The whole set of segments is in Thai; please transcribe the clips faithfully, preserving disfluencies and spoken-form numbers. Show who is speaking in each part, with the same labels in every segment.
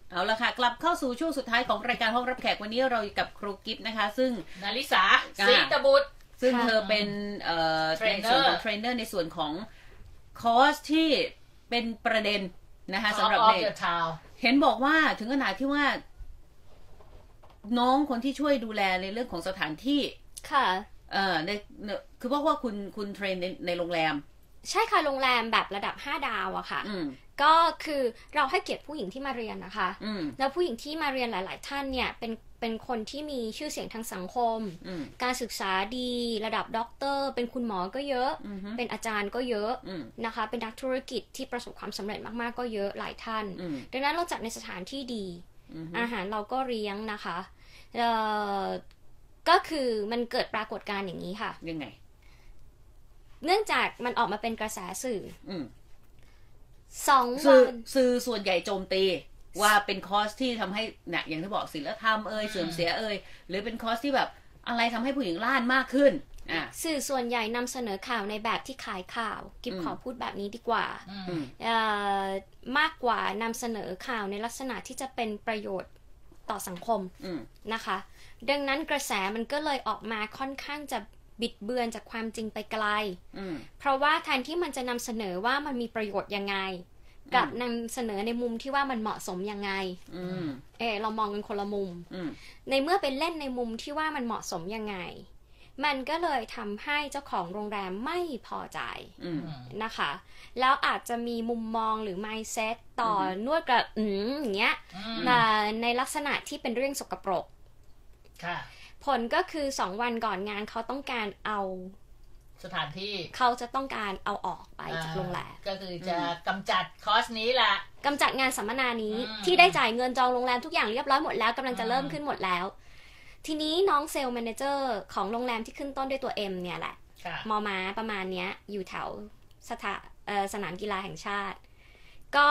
Speaker 1: เอาละค่ะกลับเข้าสู่ช่วงสุดท้ายของรายการห้องรับแขกวันนี้เราอยู่กับครูกิฟต์นะคะซึ่ง
Speaker 2: นาริสาศรีตบุตร
Speaker 1: ซึ่งเธอเป็นเอ่อในส่วนของเทรนเนอร์ในส่วนของคอร์สที่เป็นประเด็นนะคะสำหรับเด็กเห็นบอกว่าถึงขนาดที่ว่าน้องคนที่ช่วยดูแลในเรื่องของสถานที่
Speaker 3: ค่ะ
Speaker 1: เอ่อในคือเพราะว่าคุณคุณเทรนในในโรงแรม
Speaker 3: ใช่ค่ะโรงแรมแบบระดับห้าดาวอะค่ะก็คือเราให้เกียรติผู้หญิงที่มาเรียนนะคะแล้วผู้หญิงที่มาเรียนหลายๆท่านเนี่ยเป็นเป็นคนที่มีชื่อเสียงทางสังคมการศึกษาดีระดับด็อกเตอร์เป็นคุณหมอก็เยอะเป็นอาจารย์ก็เยอะนะคะเป็นนักธุรกิจที่ประสบความสำเร็จมากๆก็เยอะหลายท่านดังนั้นเราจัดในสถานที่ดีอาหารเราก็เลี้ยงนะคะก็คือมันเกิดปรากฏการณ์อย่างนี้ค่ะ
Speaker 1: ยังไง
Speaker 3: เนื่องจากมันออกมาเป็นกระแสสื่อสอง
Speaker 1: วันสื่อส่วนใหญ่โจมตีว่าเป็นคอร์สที่ทำให้เนี่ยอย่างที่บอกศีลธรรมเอ่ยเสื่อมเสียเอ่ยหรือเป็นคอร์สที่แบบอะไรทำให้ผู้หญิงล้านมากขึ้นอ่ะ
Speaker 3: สื่อส่วนใหญ่นำเสนอข่าวในแบบที่ขายข่าวกิ๊บขอพูดแบบนี้ดีกว่าเอ่อมากกว่านำเสนอข่าวในลักษณะที่จะเป็นประโยชน์ต่อสังคมนะคะดังนั้นกระแสมันก็เลยออกมาค่อนข้างจะบิดเบือนจากความจริงไปไกลเพราะว่าแทนที่มันจะนำเสนอว่ามันมีประโยชน์ยังไงกลับนำเสนอในมุมที่ว่ามันเหมาะสมยังไงเออเรามองกันคนละมุมในเมื่อเป็นเล่นในมุมที่ว่ามันเหมาะสมยังไงมันก็เลยทำให้เจ้าของโรงแรมไม่พอใจนะคะแล้วอาจจะมีมุมมองหรือ mindset ต่อนวดกับอืมอย่างเงี้ยในลักษณะที่เป็นเรื่องสกปรกผลก็คือสองวันก่อนงานเขาต้องการเอา
Speaker 2: สถานที่
Speaker 3: เขาจะต้องการเอาออกไปจากโรงแรม
Speaker 2: ก็คือจะกำจัดคอร์สนี้แหละ
Speaker 3: กำจัดงานสัมมนานี้ที่ได้จ่ายเงินจองโรงแรมทุกอย่างเรียบร้อยหมดแล้วกำลังจะเริ่มขึ้นหมดแล้วทีนี้น้องเซลล์แมเนเจอร์ของโรงแรมที่ขึ้นต้นด้วยตัว M เนี่ยแหละมอม้าประมาณเนี้ยอยู่แถวสถาสนามกีฬาแห่งชาติก็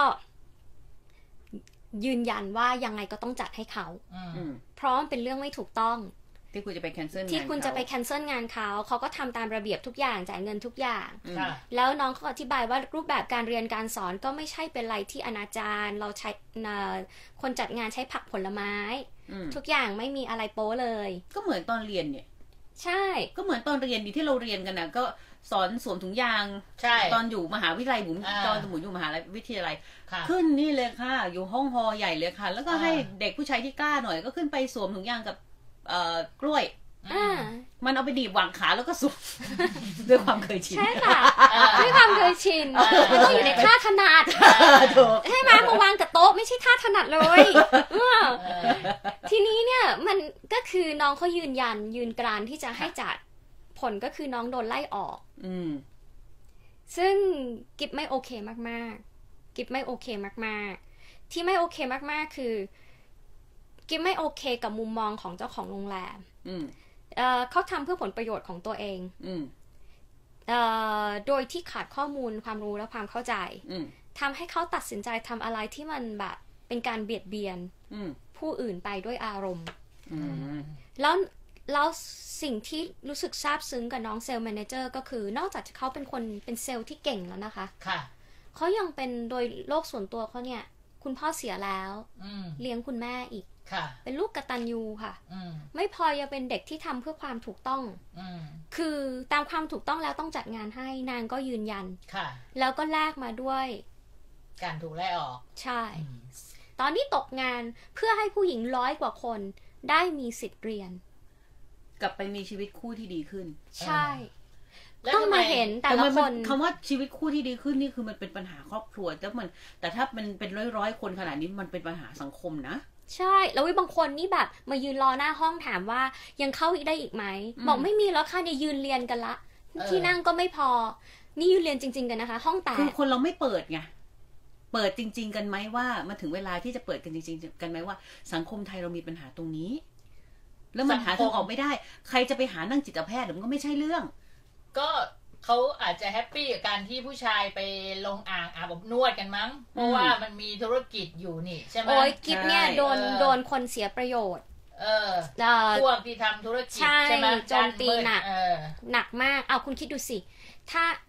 Speaker 3: ยืนยันว่ายังไงก็ต้องจัดให้เขาเพราะมันเป็นเรื่องไม่ถูกต้อง
Speaker 1: ที่คุณจะไปแคนเซิลงาน
Speaker 3: ที่คุณจะไปแคนเซิลงานเขาเขาก็ทำตามระเบียบทุกอย่างจ่ายเงินทุกอย่างแล้วน้องเขาอธิบายว่ารูปแบบการเรียนการสอนก็ไม่ใช่เป็นอะไรที่อนาจารเราใช้คนจัดงานใช้ผักผลไม้ทุกอย่างไม่มีอะไรโป๊เลย
Speaker 1: ก็เหมือนตอนเรียนเนี่ย
Speaker 3: ใช่
Speaker 1: ก็เหมือนตอนเรียนที่เราเรียนกันนะก็สอนสวมถุงยางตอนอยู่มหาวิทยาลัยบุ๋มตอนสมุนอยู่มหาวิทยาลัยขึ้นนี่เลยค่ะอยู่ห้องฮอใหญ่เลยค่ะแล้วก็ให้เด็กผู้ชายที่กล้าหน่อยก็ขึ้นไปสวมถุงยางกับกล้วยมันเอาไปดีบวางขาแล้วก็สุกด้วยความเคยชิน
Speaker 3: ใช่ค่ะด้วยความเคยชินมันต้องอยู่ในท่าถนัดใช่ไหมมาวางกับโต๊ะไม่ใช่ท่าถนัดเลยทีนี้เนี่ยมันก็คือน้องเขายืนยันยืนกรานที่จะให้จัดผลก็คือน้องโดนไล่ออกซึ่งกิ๊บไม่โอเคมากๆกิ๊บไม่โอเคมากๆที่ไม่โอเคมากๆคือกิ๊บไม่โอเคกับมุมมองของเจ้าของโรงแรมเอ่อเขาทำเพื่อผลประโยชน์ของตัวเองเอ่อโดยที่ขาดข้อมูลความรู้และความเข้าใจทำให้เขาตัดสินใจทำอะไรที่มันแบบเป็นการเบียดเบียนผู้อื่นไปด้วยอารมณ์แล้วแล้วสิ่งที่รู้สึกซาบซึ้งกับน้องเซลล์แมเนเจอร์ก็คือนอกจากเขาเป็นคนเป็นเซลล์ที่เก่งแล้วนะคะเขายังเป็นโดยโลกส่วนตัวเขาเนี่ยคุณพ่อเสียแล้วเลี้ยงคุณแม่อีกเป็นลูกกตัญญูค่ะไม่พอยังเป็นเด็กที่ทำเพื่อความถูกต้องคือตามความถูกต้องแล้วต้องจัดงานให้นางก็ยืนยันแล้วก็แลกมาด้วย
Speaker 2: การถูกไล่ออก
Speaker 3: ใช่ตอนนี้ตกงานเพื่อให้ผู้หญิงร้อยกว่าคนได้มีสิทธิ์เรียน
Speaker 1: กลับไปมีชีวิตคู่ที่ดีขึ้น
Speaker 3: ใช่ต้องมาเห็นแต่ละคน
Speaker 1: คำว่าชีวิตคู่ที่ดีขึ้นนี่คือมันเป็นปัญหาครอบครัวแต่มันแต่ถ้ามันเป็นร้อยๆคนขนาดนี้มันเป็นปัญหาสังคมนะ
Speaker 3: ใช่แล้ววิบางคนนี่แบบมายืนรอหน้าห้องถามว่ายังเข้าได้อีกไหมบอกไม่มีแล้วค่ะเนี่ยยืนเรียนกันละที่นั่งก็ไม่พอนี่ยืนเรียนจริงๆกันนะคะห้องแตก
Speaker 1: คือคนเราไม่เปิดไงเปิดจริงๆกันไหมว่ามาถึงเวลาที่จะเปิดกันจริงๆกันไหมว่าสังคมไทยเรามีปัญหาตรงนี้แล้วมันหาทางออกไม่ได้ใครจะไปหานั่งจิตแพทย์มันก็ไม่ใช่เรื่อง
Speaker 2: ก็เขาอาจจะแฮปปี้กับการที่ผู้ชายไปลงอ่างอาบอบนวดกันมั้งเพราะว่ามันมีธุรกิจอยู่นี่ใช่ไหม
Speaker 3: โอ้ยกิ๊บเนี่ยโดนโดนคนเสียประโยชน์
Speaker 2: เออพวกที่ทำธุรกิจใช่ไหม
Speaker 3: โจมตีหนักหนักมากเอาคุณคิดดูสิถ้า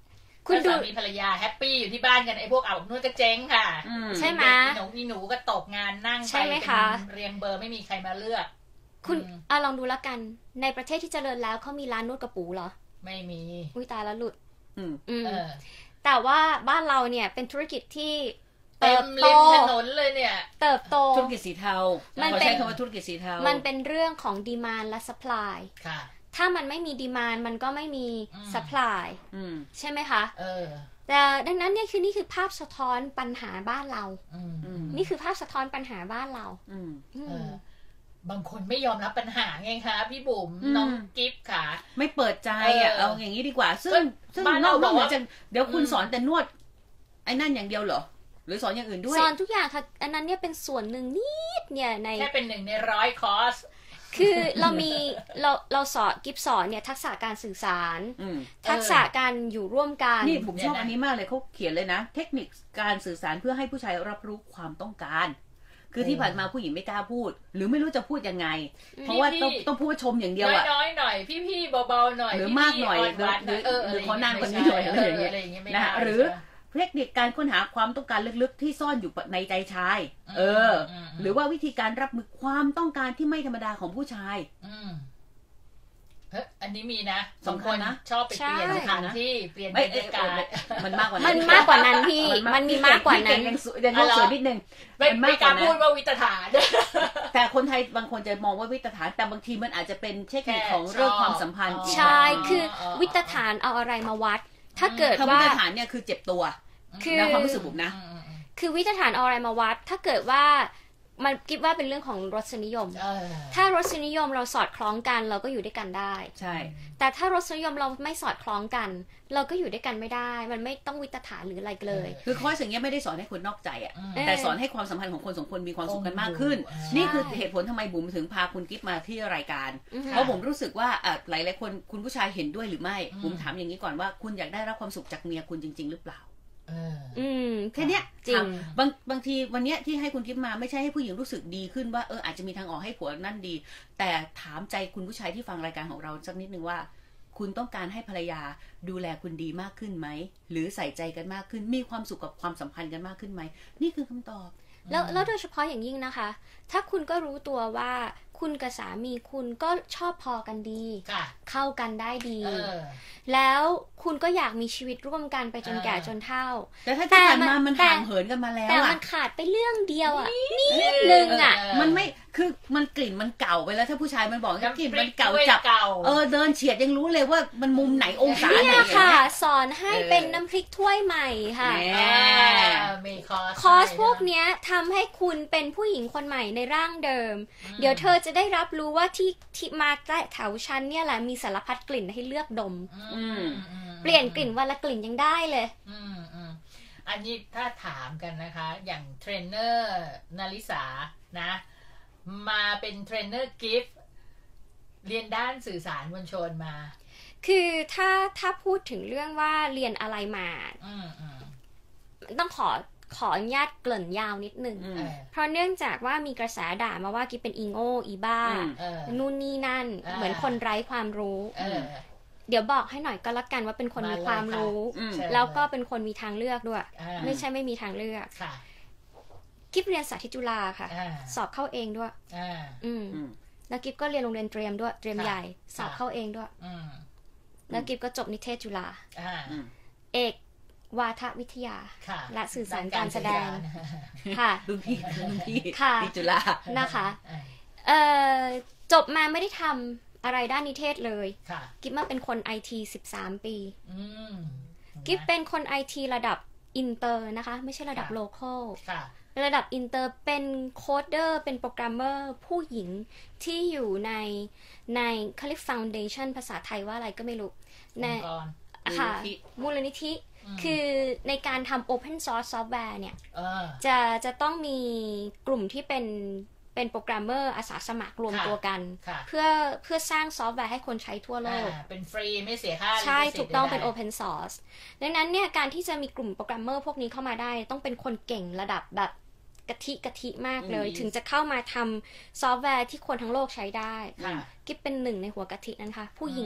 Speaker 2: คุณดูสามีภรรยาแฮปปี้อยู่ที่บ้านกันไอ้พวกอาบอบนวดก็เจ๊งค่ะ
Speaker 3: ใช่ไหม
Speaker 2: หนูมีหนูก็ตกงานนั่งไปเป็นเรียงเบอร์ไม่มีใครมาเลือก
Speaker 3: คุณอ่ะลองดูแล้วกันในประเทศที่เจริญแล้วเขามีร้านนวดกระปูเหรอ
Speaker 2: ไม่มี
Speaker 3: อุ้ยตายแล้วหลุด
Speaker 1: อืม
Speaker 3: เออแต่ว่าบ้านเราเนี่ยเป็นธุรกิจที่
Speaker 2: เติบโตถนนเลยเนี่ย
Speaker 3: เติบโต
Speaker 1: ธุรกิจสีเทามันใช้คำว่าธุรกิจสีเทา
Speaker 3: มันเป็นเรื่องของดีมานด์และซัพพลาย
Speaker 2: ค่ะ
Speaker 3: ถ้ามันไม่มีดีมานด์มันก็ไม่มีซัพพลายใช่ไหมคะ
Speaker 2: เออ
Speaker 3: แต่ดังนั้นเนี่ยคือนี่คือภาพสะท้อนปัญหาบ้านเรานี่คือภาพสะท้อนปัญหาบ้านเรา
Speaker 2: บางคนไม่ยอมรับปัญหาไงคะพี่บุ๋มน้องกิฟต์ค่ะ
Speaker 1: ไม่เปิดใจอ่ะเอาอย่างนี้ดีกว่าซึ่งซึ่งนอกเหนือจากเดี๋ยวคุณสอนแต่นวดไอ้นั่นอย่างเดียวเหรอหรือสอนอย่างอื่นด้วย
Speaker 3: สอนทุกอย่างค่ะอันนั้นเนี่ยเป็นส่วนหนึ่งนิดเนี่ยใน
Speaker 2: แค่เป็นหนึ่งในร้อยคอร์ส
Speaker 3: คือเรามีเราเราสอนกิฟสอนเนี่ยทักษะการสื่อสารทักษะการอยู่ร่วมกัน
Speaker 1: นี่ผมชอบอันนี้มากเลยเขาเขียนเลยนะเทคนิคการสื่อสารเพื่อให้ผู้ชายรับรู้ความต้องการคือที่ผ่านมาผู้หญิงไม่กล้าพูดหรือไม่รู้จะพูดยังไงเพราะว่าต้องต้องพูดชมอย่างเดียวอะ
Speaker 2: น้อยๆหน่อยพี่ๆเบาๆหน่อย
Speaker 1: หรือมากหน่อยหรือหรือขอนานกว่านี้หน่อยอะไรอย่างเงี้ยนะหรือเทคนิคการค้นหาความต้องการลึกๆที่ซ่อนอยู่ในใจชายเออหรือว่าวิธีการรับมือความต้องการที่ไม่ธรรมดาของผู้ชาย
Speaker 2: เฮ้ยอันนี้มีนะสองคนนะชอบไปเปลี่ยนสถานที่เปลี่ยนบรรยากาศ
Speaker 1: มันมากกว่า
Speaker 3: นั้นมันมากกว่านั้นพี่มันมีมากกว่านั้น
Speaker 1: ยังต้องสวยนิดนึง
Speaker 2: ไม่กล้าพูดว่าวิตฐาน
Speaker 1: แต่คนไทยบางคนจะมองว่าวิตฐานแต่บางทีมันอาจจะเป็นเทคนิคของเรื่องความสัมพันธ์
Speaker 3: ใช่คือวิตฐานเอาอะไรมาวัดถ้าเกิดว่า
Speaker 1: วิตฐานเนี่ยคือเจ็บตัวคือความรู้สึกบุ๋มนะ
Speaker 3: คือวิตฐานเอาอะไรมาวัดถ้าเกิดว่ามันคิดว่าเป็นเรื่องของรสนิยมถ้ารสนิยมเราสอดคล้องกันเราก็อยู่ด้วยกันได้
Speaker 1: ใช่
Speaker 3: แต่ถ้ารสนิยมเราไม่สอดคล้องกันเราก็อยู่ด้วยกันไม่ได้มันไม่ต้องวิตฐานหรืออะไรเลย
Speaker 1: คือคอร์สอย่างเงี้ยไม่ได้สอนให้คนนอกใจอ่ะแต่สอนให้ความสัมพันธ์ของคนสองคนมีความสุขกันมากขึ้นนี่คือเหตุผลทำไมบุ๋มถึงพาคุณกิ๊ฟมาที่รายการเพราะผมรู้สึกว่าหลายหลายคนคุณผู้ชายเห็นด้วยหรือไม่บุ๋มถามอย่างนี้ก่อนว่าคุณอยากได้รับความสุขจากเมียคุณจริงๆหรือเปล่า
Speaker 3: อืม
Speaker 1: แค่นี้จริงบางบางทีวันนี้ที่ให้คุณกิ๊ฟมาไม่ใช่ให้ผู้หญิงรู้สึกดีขึ้นว่าเอออาจจะมีทางออกให้ผัวนั่นดีแต่ถามใจคุณผู้ชายที่ฟังรายการของเราสักนิดนึงว่าคุณต้องการให้ภรรยาดูแลคุณดีมากขึ้นไหมหรือใส่ใจกันมากขึ้นมีความสุขกับความสัมพันธ์กันมากขึ้นไหมนี่คือคำตอบ
Speaker 3: แล้วแล้วโดยเฉพาะอย่างยิ่งนะคะถ้าคุณก็รู้ตัวว่าคุณกับสามีคุณก็ชอบพอกันดีเข้ากันได้ดีแล้วคุณก็อยากมีชีวิตร่วมกันไปจนแก่จนเฒ่า
Speaker 1: แต่ถ้าที่ผ่านมามันห่างเหินกันมาแล้ว
Speaker 3: แต่มันขาดไปเรื่องเดียวอ่ะนิดนึงอ่ะ
Speaker 1: มันไม่คือมันกลิ่นมันเก่าไปแล้วถ้าผู้ชายมันบอกกลิ่นมันเก่าจับเออเดินเฉียดยังรู้เลยว่ามันมุมไหนองศาไหน
Speaker 3: เนี่ยค่ะสอนให้เป็นน้ำพริกถ้วยใหม่ค่ะคอร์สพวกเนี้ยทำให้คุณเป็นผู้หญิงคนใหม่ในร่างเดิมเดี๋ยวเธอจะได้รับรู้ว่าที่ที่มาแถวชั้นเนี่ยแหละมีสารพัดกลิ่นให้เลือกดมเปลี่ยนกลิ่นวันละกลิ่นยังได้เลย
Speaker 2: อันนี้ถ้าถามกันนะคะอย่างเทรนเนอร์นาริสานะมาเป็นเทรนเนอร์กิฟต์เรียนด้านสื่อสารมวลชนมา
Speaker 3: คือถ้าถ้าพูดถึงเรื่องว่าเรียนอะไรมาต้องขอขออนุญาตเกริ่นยาวนิดนึงเพราะเนื่องจากว่ามีกระแสด่ามาว่ากิ๊บเป็นอีโง่อีบ้านู่นนี่นั่นเหมือนคนไร้ความรู้เดี๋ยวบอกให้หน่อยก็แล้วกันว่าเป็นคนมีความรู้แล้วก็เป็นคนมีทางเลือกด้วยไม่ใช่ไม่มีทางเลือกกิ๊บเรียนสาธิตจุฬาค่ะสอบเข้าเองด้วยอืมแล้วกิ๊บก็เรียนโรงเรียนเตรียมด้วยเตรียมใหญ่สอบเข้าเองด้วยแล้วกิ๊บก็จบนิเทศจุฬาเอกวาทวิทยาและสื่อสารการแสดงค่ะ
Speaker 1: รุ่นพี่รุ่นพี่
Speaker 3: ที่
Speaker 1: จุฬา
Speaker 3: นะคะเอ่อจบมาไม่ได้ทำอะไรด้านนิเทศเลยกิ๊บมาเป็นคน ไอ ที สิบสามปีกิ๊บเป็นคน ไอ ที ระดับอินเตอร์นะคะไม่ใช่ระดับโลคอลระดับอินเตอร์เป็นโคดเดอร์เป็นโปรแกรมเมอร์ผู้หญิงที่อยู่ในในเขาเรียก Foundation ภาษาไทยว่าอะไรก็ไม่รู้ในค่ะมูลนิธิคือในการทำ Open Source Software เนี่ยจะจะต้องมีกลุ่มที่เป็นเป็นโปรแกรมเมอร์อาสาสมัครรวมตัวกันเพื่อเพื่อสร้างซอฟต์แวร์ให้คนใช้ทั่วโลก
Speaker 2: เป็นฟรีไม่เสียค่า
Speaker 3: ใช่ถูกต้องเป็น Open Source ดังนั้นเนี่ยการที่จะมีกลุ่มโปรแกรมเมอร์พวกนี้เข้ามาได้ต้องเป็นคนเก่งระดับแบบกะทิกะทิมากเลยถึงจะเข้ามาทำซอฟต์แวร์ที่คนทั้งโลกใช้ได้กิ๊บเป็นหนึ่งในหัวกะทินั้นค่ะผู้หญิง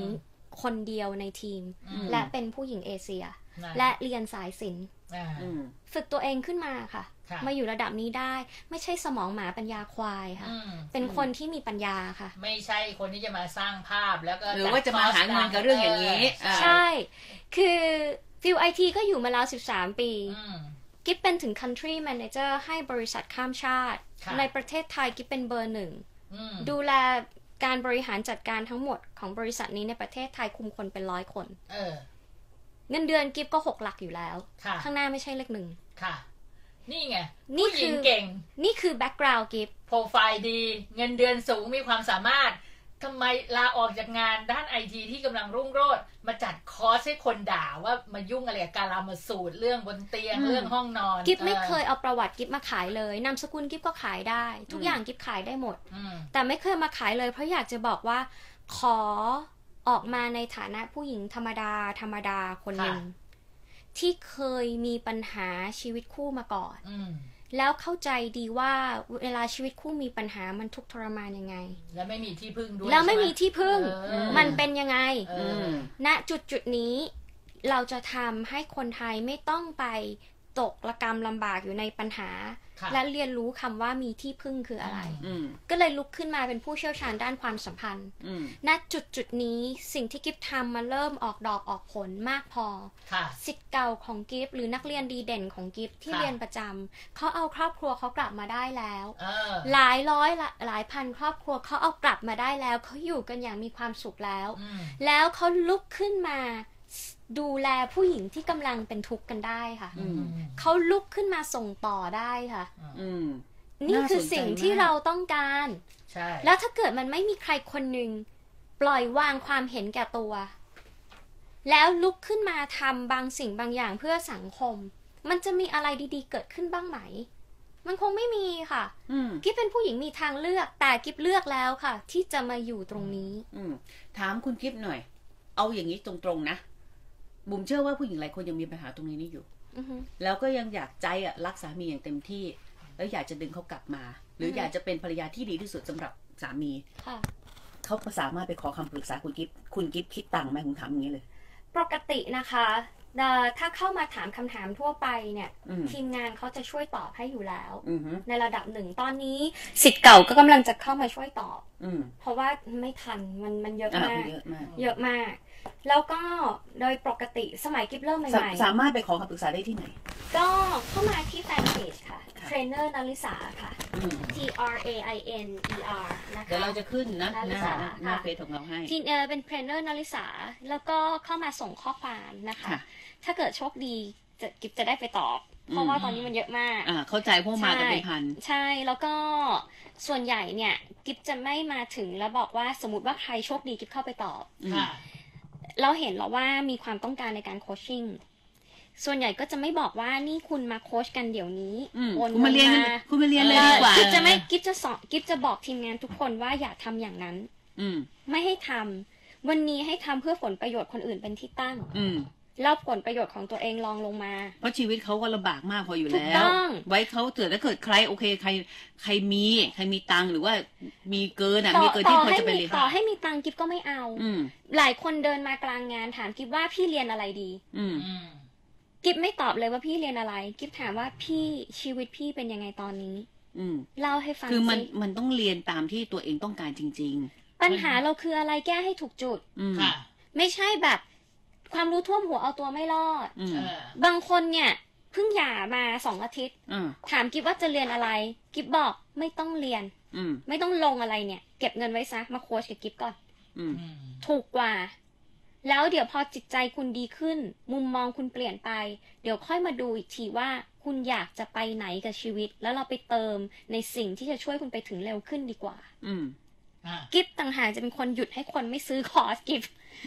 Speaker 3: คนเดียวในทีมและเป็นผู้หญิงเอเชียและเรียนสายศิลป์ฝึกตัวเองขึ้นมาค่ะมาอยู่ระดับนี้ได้ไม่ใช่สมองหมาปัญญาควายค่ะเป็นคนที่มีปัญญาค่ะ
Speaker 2: ไม่ใช่คนที่จะมาสร้างภาพแล้วก็
Speaker 1: หรือว่าจะมาหาเงินกับเรื่องอย่างนี้
Speaker 3: ใช่คือฟิลไอทีก็อยู่มาแล้วสิบสามปีกิ๊บเป็นถึง country manager ให้บริษัทข้ามชาติในประเทศไทยกิ๊บเป็นเบอร์หนึ่งดูแลการบริหารจัดการทั้งหมดของบริษัทนี้ในประเทศไทยคุมคนเป็นร้อยคนเออเงินเดือนกิ๊บก็หกหลักอยู่แล้วข้างหน้าไม่ใช่เลขหนึ่งค่ะ
Speaker 2: นี่ไงผู้หญิงเก่ง
Speaker 3: นี่คือแบ็กกราวด์กิ๊บ
Speaker 2: โปรไฟล์ดีเงินเดือนสูงมีความสามารถทำไมลาออกจากงานด้านไอทีที่กำลังรุ่งโรจน์มาจัดคอร์สให้คนด่าว่ามายุ่งอะไรกับการลามาสูตรเรื่องบนเตียงเรื่องห้องนอน
Speaker 3: กิ๊บไม่เคยเอาประวัติกิ๊บมาขายเลยนามสกุลกิ๊บก็ขายได้ทุกอย่างกิ๊บขายได้หมดแต่ไม่เคยมาขายเลยเพราะอยากจะบอกว่าขอออกมาในฐานะผู้หญิงธรรมดาธรรมดาคนหนึ่งที่เคยมีปัญหาชีวิตคู่มาก่อนแล้วเข้าใจดีว่าเวลาชีวิตคู่มีปัญหามันทุกข์ทรมานยังไง
Speaker 2: แล้วไม่มีที่พึ่งด้วย
Speaker 3: แล้วไม่มีที่พึ่งมันเป็นยังไงณจุดจุดนี้เราจะทำให้คนไทยไม่ต้องไปตกระกำลำบากอยู่ในปัญหาและเรียนรู้คำว่ามีที่พึ่งคืออะไรก็เลยลุกขึ้นมาเป็นผู้เชี่ยวชาญด้านความสัมพันธ์ณจุดจุดนี้สิ่งที่กิฟทำมาเริ่มออกดอกออกผลมากพอศิษย์เก่าของกิฟหรือนักเรียนดีเด่นของกิฟที่เรียนประจำเขาเอาครอบครัวเขากลับมาได้แล้วหลายร้อยหลายพันครอบครัวเขาเอากลับมาได้แล้วเขาอยู่กันอย่างมีความสุขแล้วแล้วเขาลุกขึ้นมาดูแลผู้หญิงที่กำลังเป็นทุกข์กันได้ค่ะเขาลุกขึ้นมาส่งต่อได้ค่ะนี่คือสิ่งที่เราต้องการแล้วถ้าเกิดมันไม่มีใครคนหนึ่งปล่อยวางความเห็นแก่ตัวแล้วลุกขึ้นมาทำบางสิ่งบางอย่างเพื่อสังคมมันจะมีอะไรดีๆเกิดขึ้นบ้างไหมมันคงไม่มีค่ะกิ๊บเป็นผู้หญิงมีทางเลือกแต่กิ๊บเลือกแล้วค่ะที่จะมาอยู่ตรงนี้
Speaker 1: ถามคุณกิ๊บหน่อยเอาอย่างนี้ตรงๆนะบุ๋มเชื่อว่าผู้หญิงหลายคนยังมีปัญหาตรงนี้นี่อยู่ uh-huh. แล้วก็ยังอยากใจอ่ะรักสามีอย่างเต็มที่แล้วอยากจะดึงเขากลับมา หรือ uh-huh. อยากจะเป็นภรรยาที่ดีที่สุดสำหรับสามี uh-huh. เขาสามารถไปขอคำปรึกษาคุณกิ๊บคุณกิ๊บคิดตังค์ไหมผมถามอย่างนี้เลย
Speaker 3: ปกตินะคะถ้าเข้ามาถามคำถามทั่วไปเนี่ย uh-huh. ทีมงานเขาจะช่วยตอบให้อยู่แล้ว uh-huh. ในระดับหนึ่งตอนนี้ศิษย์เก่าก็กำลังจะเข้ามาช่วยตอบ uh-huh. เพราะว่าไม่ทันมันมันเยอะมาก uh-huh. เยอะมากแล้วก็โดยปกติสมัยกิ๊บเริ่มใหม่
Speaker 1: ๆสามารถไปขอคำปรึกษาได้ที่ไหน
Speaker 3: ก็เข้ามาที่แฟนเพจค่ะเทรนเนอร์นาริสาค่ะ T R A I N E R นะคะ
Speaker 1: เดี๋ยวเราจะขึ้นนะหน้าหน้าเฟซของเราให้
Speaker 3: ที่เป็นเทรนเนอร์นาริสาแล้วก็เข้ามาส่งข้อความนะคะถ้าเกิดโชคดีจะกิ๊บจะได้ไปตอบเพราะว่าตอนนี้มันเยอะมาก
Speaker 1: อ่าเข้าใจพวกมากันเป็นพัน
Speaker 3: ใช่แล้วก็ส่วนใหญ่เนี่ยกิ๊บจะไม่มาถึงแล้วบอกว่าสมมติว่าใครโชคดีกิ๊บเข้าไปตอบเราเห็นแล้วว่ามีความต้องการในการโคชชิ่งส่วนใหญ่ก็จะไม่บอกว่านี่คุณมาโค้ชกันเดี๋ยวนี้
Speaker 1: โอนมาเรียนคุณมาเรียนเลยดีกว่า
Speaker 3: กิ๊บจะไม่กิ๊บจะสอนกิ๊บจะบอกทีมงานทุกคนว่าอย่าทำอย่างนั้นไม่ให้ทำวันนี้ให้ทำเพื่อผลประโยชน์คนอื่นเป็นที่ตั้งแล้วผลประโยชน์ของตัวเองลองลงมา
Speaker 1: เพราะชีวิตเขาก็ลำบากมากพออยู่แล้วไว้เขาเกิดถ้าเกิดใครโอเคใครใครมีใครมีตังหรือว่ามีเกินอ่ะมีเกินที่พอจะไปเรียน
Speaker 3: ต่อให้มีตังกิ๊บก็ไม่เอาหลายคนเดินมากลางงานถามกิ๊บว่าพี่เรียนอะไรดีกิ๊บไม่ตอบเลยว่าพี่เรียนอะไรกิ๊บถามว่าพี่ชีวิตพี่เป็นยังไงตอนนี้เล่าให้ฟัง
Speaker 1: คือมันมันต้องเรียนตามที่ตัวเองต้องการจริง
Speaker 3: ๆปัญหาเราคืออะไรแก้ให้ถูกจุดค่ะไม่ใช่แบบความรู้ท่วมหัวเอาตัวไม่รอดบางคนเนี่ยเพิ่งหย่ามาสองอาทิตย์ถามกิ๊บว่าจะเรียนอะไรกิ๊บบอกไม่ต้องเรียนไม่ต้องลงอะไรเนี่ยเก็บเงินไว้ซะมาโค้ชกับกิ๊บก่อนถูกกว่าแล้วเดี๋ยวพอจิตใจคุณดีขึ้นมุมมองคุณเปลี่ยนไปเดี๋ยวค่อยมาดูอีกทีว่าคุณอยากจะไปไหนกับชีวิตแล้วเราไปเติมในสิ่งที่จะช่วยคุณไปถึงเร็วขึ้นดีกว่ากิ๊บต่างหากจะเป็นคนหยุดให้คนไม่ซื้อคอร์สกิ๊บ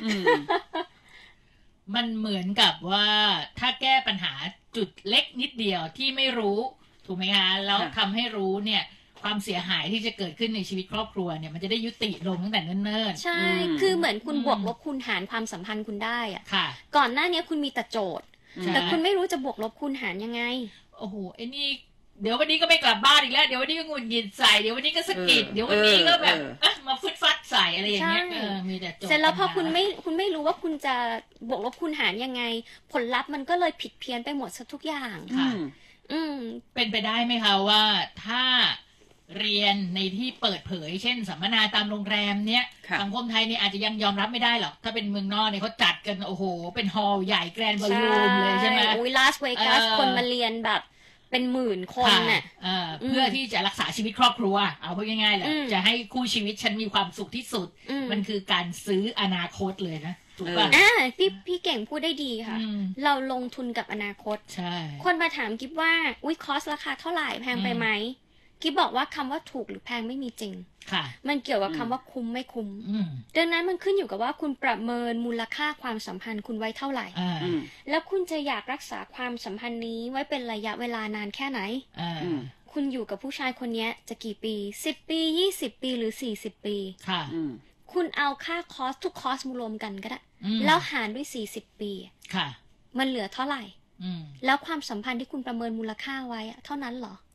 Speaker 2: มันเหมือนกับว่าถ้าแก้ปัญหาจุดเล็กนิดเดียวที่ไม่รู้ถูกไหมคะแล้วทำให้รู้เนี่ยความเสียหายที่จะเกิดขึ้นในชีวิตครอบครัวเนี่ยมันจะได้ยุติลงตั้งแต่เนิ่น
Speaker 3: ๆใช่คือเหมือนคุณบวกลบคูณหารความสัมพันธ์คุณได้อะก่อนหน้านี้คุณมีแต่โจทย์แต่คุณไม่รู้จะบวกลบคูณหารยังไง
Speaker 2: โอ้โหไอ้นี่เดี๋ยววันนี้ก็ไม่กลับบ้านอีกแล้วเดี๋ยววันนี้ก็งุนหงิดใส่เดี๋ยววันนี้ก็สะกิดเดี๋ยววันนี้ก็แบบมาฟึดฟัดใส่อะไรอย่างเงี้ยเออมีแต่โจทย์
Speaker 3: เสร็จแล้วพอคุณไม่คุณไม่รู้ว่าคุณจะบวกลบคูณหารยังไงผลลัพธ์มันก็เลยผิดเพี้ยนไปหมดซะทุกอย่าง
Speaker 2: ค่ะ
Speaker 3: อืม
Speaker 2: เป็นไปได้ไหมคะว่าถ้าเรียนในที่เปิดเผยเช่นสัมมนาตามโรงแรมเนี้ยสังคมไทยเนี่ยอาจจะยังยอมรับไม่ได้หรอกถ้าเป็นเมืองนอกเนี่ยเขาจัดกันโอ้โหเป็นฮอลล์ใหญ่แกรนด์บอลลูมเลยใช่ไหม
Speaker 3: อุ้ยลาสเวกัสคนมาเรียนแบบเป็นหมื่นคนน่ะ
Speaker 2: เพื่อที่จะรักษาชีวิตครอบครัวเอาพูดง่ายๆแหละจะให้คู่ชีวิตฉันมีความสุขที่สุดมันคือการซื้ออนาคตเลยนะถูกป่ะ
Speaker 3: อ่าพี่พี่เก่งพูดได้ดีค่ะเราลงทุนกับอนาคต
Speaker 2: ใช่
Speaker 3: คนมาถามกิ๊บว่าอุ้ยคอสราคาเท่าไหร่แพงไปไหมกิ๊บบอกว่าคำว่าถูกหรือแพงไม่มีจริง
Speaker 2: ค่ะ
Speaker 3: มันเกี่ยวกับคำว่าคุ้มไม่คุ้มดังนั้นมันขึ้นอยู่กับว่าคุณประเมินมูลค่าความสัมพันธ์คุณไว้เท่าไหร่แล้วคุณจะอยากรักษาความสัมพันธ์นี้ไว้เป็นระยะเวลานานแค่ไหนคุณอยู่กับผู้ชายคนนี้จะกี่ปีสิบปียี่สิบปีหรือสี่สิบปี
Speaker 2: ค่ะ
Speaker 3: คุณเอาค่าคอสทุกคอสมารวมกันก็ได้แล้วหารด้วยสี่สิบปี
Speaker 2: ค่ะ
Speaker 3: มันเหลือเท่าไหร่แล้วความสัมพันธ์ที่คุณประเมินมูลค่าไว้เท่านั้นเหรอ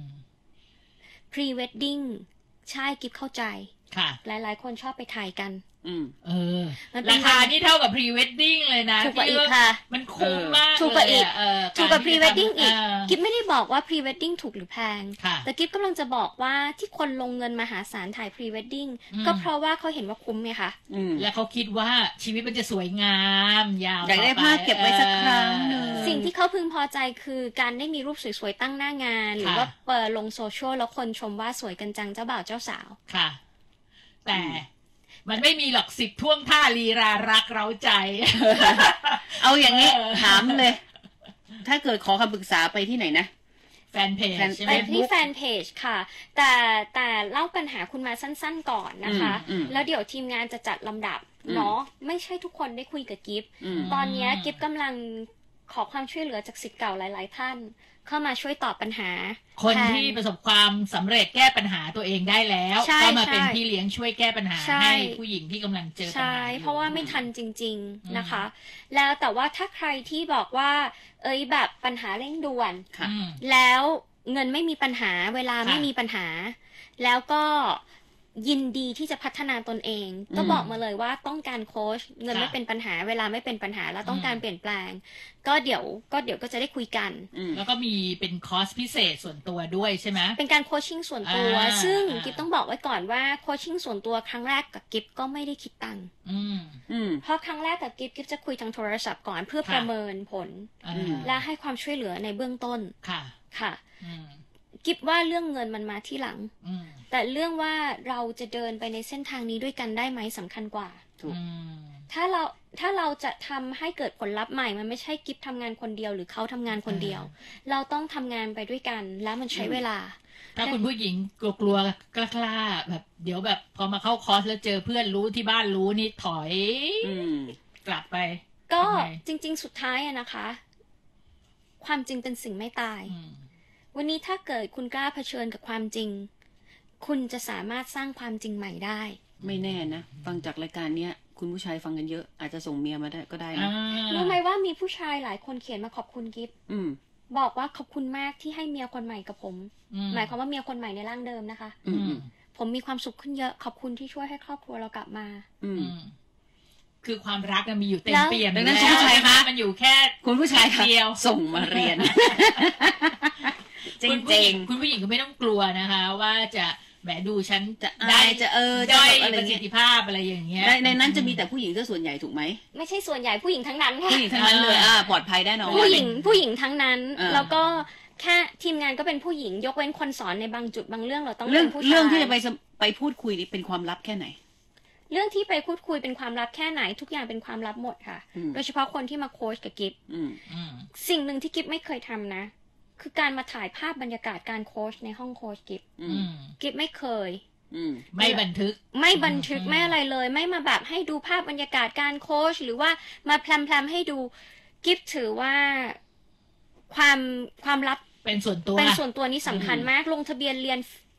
Speaker 3: pre wedding ใช่กิ๊บเข้าใจ
Speaker 2: ค่ะ
Speaker 3: หลายๆคนชอบไปถ่ายกัน
Speaker 2: อืมเออราคานี่เท่ากับ pre wedding เลยนะ
Speaker 3: ถูกกว่าอีกค่ะ
Speaker 2: มันคุ้มมาก
Speaker 3: ถูกกว่าอีกถูกกว่า pre wedding อีกกิ๊บไม่ได้บอกว่า pre wedding ถูกหรือแพงแต่กิ๊บกำลังจะบอกว่าที่คนลงเงินมหาศาลถ่าย pre wedding ก็เพราะว่าเขาเห็นว่าคุ้มไงคะ
Speaker 2: และเขาคิดว่าชีวิตมันจะสวยงามยาว
Speaker 1: อยากได้ภาพเก็บไว้สักครั้งนึง
Speaker 3: สิ่งที่เขาพึงพอใจคือการได้มีรูปสวยๆตั้งหน้างานหรือว่าเปิดลงโซเชียลแล้วคนชมว่าสวยกันจังเจ้าบ่าวเจ้าสาว
Speaker 2: ค่ะแต่มันไม่มีหรอกสิบท่วงท่าลีรารักเร้าใจ
Speaker 1: เอาอย่างนี้ถามเลยถ้าเกิดขอคำปรึกษาไปที่ไหนนะ
Speaker 2: แฟนเพจ
Speaker 3: ไปที่แฟนเพจค่ะแต่แต่เล่าปัญหาคุณมาสั้นๆก่อนนะคะแล้วเดี๋ยวทีมงานจะจัดลำดับเนาะไม่ใช่ทุกคนได้คุยกับกิฟต์ตอนนี้กิฟต์กำลังขอความช่วยเหลือจากศิษย์เก่าหลายๆท่านเข้ามาช่วยตอบปัญหา
Speaker 2: คนที่ประสบความสำเร็จแก้ปัญหาตัวเองได้แล้วก็มาเป็นพี่เลี้ยงช่วยแก้ปัญหาให้ผู้หญิงที่กำลังเจอปัญหาใช่
Speaker 3: เพราะว่าไม่ทันจริงๆนะคะแล้วแต่ว่าถ้าใครที่บอกว่าเอ้ยแบบปัญหาเร่งด่วนแล้วเงินไม่มีปัญหาเวลาไม่มีปัญหาแล้วก็ยินดีที่จะพัฒนาตนเองก็บอกมาเลยว่าต้องการโค้ชเงินไม่เป็นปัญหาเวลาไม่เป็นปัญหาแล้วต้องการเปลี่ยนแปลงก็เดี๋ยวก็เดี๋ยวก็จะได้คุยกัน
Speaker 2: แล้วก็มีเป็นคอร์สพิเศษส่วนตัวด้วยใช่ไหม
Speaker 3: เป็นการโคชชิ่งส่วนตัวซึ่งกิฟต้องบอกไว้ก่อนว่าโคชชิ่งส่วนตัวครั้งแรกกับกิฟก็ไม่ได้คิดตังค์เพราะครั้งแรกกับกิฟกิฟจะคุยทางโทรศัพท์ก่อนเพื่อประเมินผลและให้ความช่วยเหลือในเบื้องต้น
Speaker 2: ค่ะ
Speaker 3: ค่ะกิฟว่าเรื่องเงินมันมาที่หลังแต่เรื่องว่าเราจะเดินไปในเส้นทางนี้ด้วยกันได้ไหมสำคัญกว่าถ้าเราถ้าเราจะทำให้เกิดผลลัพธ์ใหม่มันไม่ใช่กิฟทำงานคนเดียวหรือเขาทำงานคนเดียวเราต้องทำงานไปด้วยกันแล้วมันใช้เวลา
Speaker 2: ถ้าคุณผู้หญิงกลัวๆกล้าๆแบบเดี๋ยวแบบพอมาเข้าคอร์สแล้วเจอเพื่อนรู้ที่บ้านรู้นี่ถอยกลับไป
Speaker 3: ก็จริงๆสุดท้ายอะนะคะความจริงเป็นสิ่งไม่ตายวันนี้ถ้าเกิดคุณกล้าเผชิญกับความจริงคุณจะสามารถสร้างความจริงใหม่ได้
Speaker 1: ไม่แน่นะฟังจากรายการเนี้ยคุณผู้ชายฟังกันเยอะอาจจะส่งเมียมาได้ก็ได้นะ
Speaker 3: รู้ไหมว่ามีผู้ชายหลายคนเขียนมาขอบคุณกิฟต์บอกว่าขอบคุณมากที่ให้เมียคนใหม่กับผมหมายความว่าเมียคนใหม่ในร่างเดิมนะคะผมมีความสุขขึ้นเยอะขอบคุณที่ช่วยให้ครอบครัวเรากลับมา
Speaker 2: คือความรักมีอยู่เต็มเปี่ยมดังนั้นคุณผู้ชายคะมันอยู่แค่
Speaker 1: คุณผู้ชายเดียวส่งมาเรียนจริงๆ
Speaker 2: คุณผู้หญิงก็ไม่ต้องกลัวนะคะว่าจะแหมดูฉัน
Speaker 1: จะได้จะเออ
Speaker 2: ด้อยประสิทธิภาพอะไรอย่างเงี้ย
Speaker 1: ในนั้นจะมีแต่ผู้หญิงก็ส่วนใหญ่ถูกไหม
Speaker 3: ไม่ใช่ส่วนใหญ่ผู้หญิงทั้งนั้น
Speaker 1: ค่ะผู้หญิงทั้งนั้นเลยอ่าปลอดภัยแน่นอน
Speaker 3: ผู้หญิงผู้หญิงทั้งนั้นแล้วก็แค่ทีมงานก็เป็นผู้หญิงยกเว้นคนสอนในบางจุดบางเรื่องเราต้อง
Speaker 1: เป็นผู้ชายเรื่องที่จะไปไปพูดคุยนี่เป็นความลับแค่ไหน
Speaker 3: เรื่องที่ไปพูดคุยเป็นความลับแค่ไหนทุกอย่างเป็นความลับหมดค่ะโดยเฉพาะคนที่มาโค้ชกับกิฟสิ่งหนึ่งที่กิฟไม่เคยทำนะคือการมาถ่ายภาพบรรยากาศการโค้ชในห้องโค้ชกิฟกิฟไม่เคย
Speaker 2: ไม่บันทึก
Speaker 3: ไม่บันทึกไม่อะไรเลยไม่มาแบบให้ดูภาพบรรยากาศการโค้ชหรือว่ามาแพลมๆให้ดูกิฟถือว่าความความลับ
Speaker 2: เป็นส่วนตัว
Speaker 3: เป็นส่วนตัวนี้สำคัญมากลงทะเบียนเรียน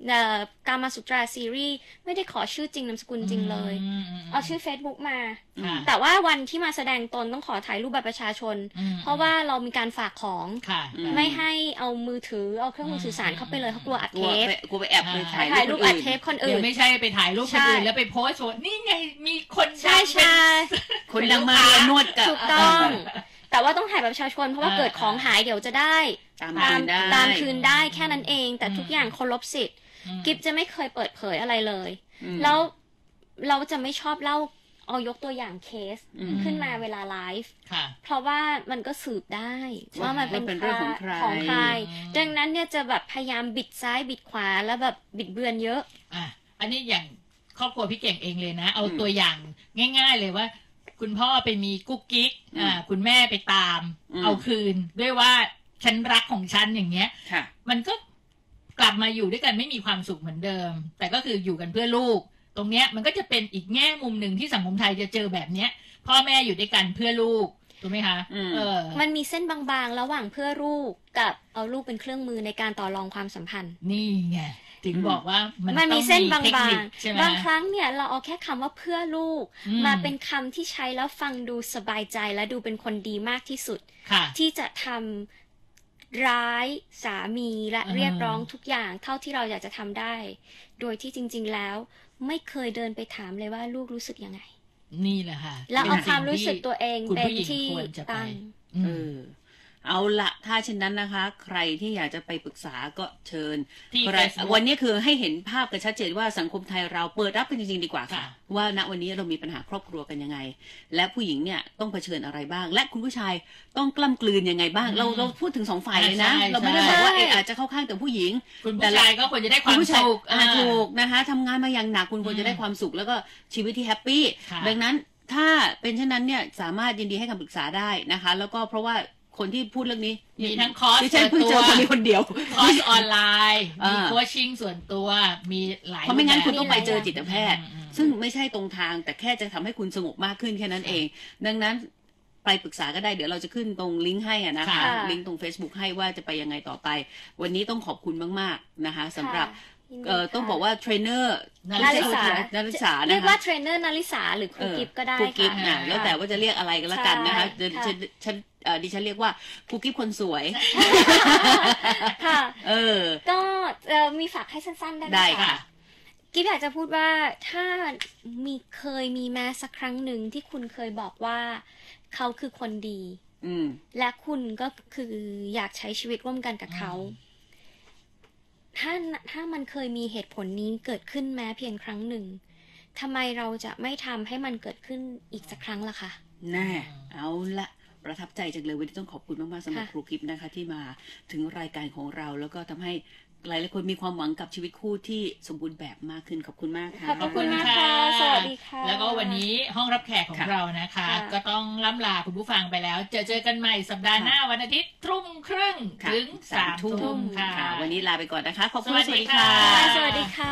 Speaker 3: กามาสุตราซีรีส์ไม่ได้ขอชื่อจริงนามสกุลจริงเลยเอาชื่อ Facebook มาแต่ว่าวันที่มาแสดงตนต้องขอถ่ายรูปบัตรประชาชนเพราะว่าเรามีการฝากของไม่ให้เอามือถือเอาเครื่องมือสื่อสารเข้าไปเลยเขากลัวอัดเทป
Speaker 1: กลัวไปแอบเลย
Speaker 3: ถ่ายรูปอัดเทปคนอื่น
Speaker 2: ไม่ใช่ไปถ่ายรูปคนอื่นแล้วไปโพสต์นี่ไงมีคน
Speaker 3: ใช่ใช่
Speaker 1: คนดังมานวดกับ
Speaker 3: ถูกต้องแต่ว่าต้องถ่ายแบบประชาชนเพราะว่าเกิดของหายเดี๋ยวจะได้
Speaker 1: ตามคืนได้
Speaker 3: ตามคืนได้แค่นั้นเองแต่ทุกอย่างเคารพสิทธิ์กิฟจะไม่เคยเปิดเผยอะไรเลยแล้วเราจะไม่ชอบเล่าเอายกตัวอย่างเคสขึ้นมาเวลาไลฟ์เพราะว่ามันก็สืบได้ว่ามันเป็นเรื่องของใครของใครดังนั้นเนี่ยจะแบบพยายามบิดซ้ายบิดขวาแล้วแบบบิดเบือนเยอะ
Speaker 2: อ่ะอันนี้อย่างครอบครัวพี่เก่งเองเลยนะเอาตัวอย่างง่ายๆเลยว่าคุณพ่อไปมีกุ๊กกิ๊กอ่าคุณแม่ไปตามเอาคืนด้วยว่าฉันรักของฉันอย่างเงี้ยมันก็กลับมาอยู่ด้วยกันไม่มีความสุขเหมือนเดิมแต่ก็คืออยู่กันเพื่อลูกตรงเนี้ยมันก็จะเป็นอีกแง่มุมหนึ่งที่สังคมไทยจะเจอแบบเนี้ยพ่อแม่อยู่ด้วยกันเพื่อลูกถูกไหมคะเออ
Speaker 3: มันมีเส้นบางๆระหว่างเพื่อลูกกับเอาลูกเป็นเครื่องมือในการต่อรองความสัมพันธ์
Speaker 2: นี่ไงถึงบอกว่า
Speaker 3: มันมันมีเส้นบางๆบางครั้งเนี่ยเราเอาแค่คำว่าเพื่อลูกมาเป็นคำที่ใช้แล้วฟังดูสบายใจและดูเป็นคนดีมากที่สุดที่จะทำร้ายสามีและเรียกร้องทุกอย่างเท่าที่เราอยากจะทำได้โดยที่จริงๆแล้วไม่เคยเดินไปถามเลยว่าลูกรู้สึกยังไง
Speaker 2: นี่แหละค่ะ
Speaker 3: แล้วเอาความรู้สึกตัวเองเป็นที่ตั้ง
Speaker 1: เออเอาละถ้าเช่นนั้นนะคะใครที่อยากจะไปปรึกษาก็เชิญวันนี้คือให้เห็นภาพกันชัดเจนว่าสังคมไทยเราเปิดรับกันจริงๆดีกว่าค่ะว่าณวันนี้เรามีปัญหาครอบครัวกันยังไงและผู้หญิงเนี่ยต้องเผชิญอะไรบ้างและคุณผู้ชายต้องกล้ำกลืนยังไงบ้างเราเราพูดถึงสองฝ่ายเลยนะเราไม่ได้บอกว่าเอออาจจะเข้าข้างแต่ผู้หญิง
Speaker 2: คุณผู้ชายก็ควรจะได้ความสุข
Speaker 1: ถูกนะคะทำงานมาอย่างหนักคุณควรจะได้ความสุขแล้วก็ชีวิตที่แฮปปี้ดังนั้นถ้าเป็นเช่นนั้นเนี่ยสามารถยินดีให้คำปรึกษาได้นะคะแล้วก็เพราะว่าคนที่พูดเรื่องนี้
Speaker 2: มีทั้งคอร์ส
Speaker 1: ส่วนตัวมีคนเดียว
Speaker 2: คอร์สออนไลน์มีโคชชิ่งส่วนตัวมีหลาย
Speaker 1: เพราะไม่งั้นคุณต้องไปเจอจิตแพทย์ซึ่งไม่ใช่ตรงทางแต่แค่จะทำให้คุณสงบมากขึ้นแค่นั้นเองดังนั้นไปปรึกษาก็ได้เดี๋ยวเราจะขึ้นตรงลิงก์ให้อะนะคะลิงก์ตรง Facebook ให้ว่าจะไปยังไงต่อไปวันนี้ต้องขอบคุณมากๆนะคะสำหรับเอ่อต้องบอกว่าเทรนเนอร์
Speaker 3: นาริสา
Speaker 1: นาริสา
Speaker 3: เรียกว่าเทรนเนอร์นาริสาหรือครูกิฟก็ได้
Speaker 1: ครูกิฟนะแล้วแต่ว่าจะเรียกอะไรก็แล้วกันนะคะฉันฉันดิฉันเรียกว่าครูกิฟคนสวย
Speaker 3: ค่ะ
Speaker 1: เออ
Speaker 3: ก็มีฝากให้สั้นๆได้ไหมคะกิฟอยากจะพูดว่าถ้ามีเคยมีแม้สักครั้งหนึ่งที่คุณเคยบอกว่าเขาคือคนดีและคุณก็คืออยากใช้ชีวิตร่วมกันกับเขาถ้าถ้ามันเคยมีเหตุผลนี้เกิดขึ้นแม้เพียงครั้งหนึ่งทำไมเราจะไม่ทำให้มันเกิดขึ้นอีกสักครั้งล่ะคะ
Speaker 1: แน่เอาละประทับใจจังเลยวันนี้ต้องขอบคุณมากๆสำหรับครูกิฟนะคะที่มาถึงรายการของเราแล้วก็ทำให้หลายหลายคนมีความหวังกับชีวิตคู่ที่สมบูรณ์แบบมากขึ้นขอบคุณมากค่ะ
Speaker 3: ขอบคุณมากค่ะสวัสดีค่ะ
Speaker 2: แล้วก็วันนี้ห้องรับแขกของเรานะคะก็ต้องล่ำลาคุณผู้ฟังไปแล้วเจอเจอกันใหม่สัปดาห์หน้าวันอาทิตย์ทุ่มครึ่งถึงสามทุ่มค่ะ
Speaker 1: วันนี้ลาไปก่อนนะคะขอบคุณสวัสดีค่ะ
Speaker 3: สวัสดีค่ะ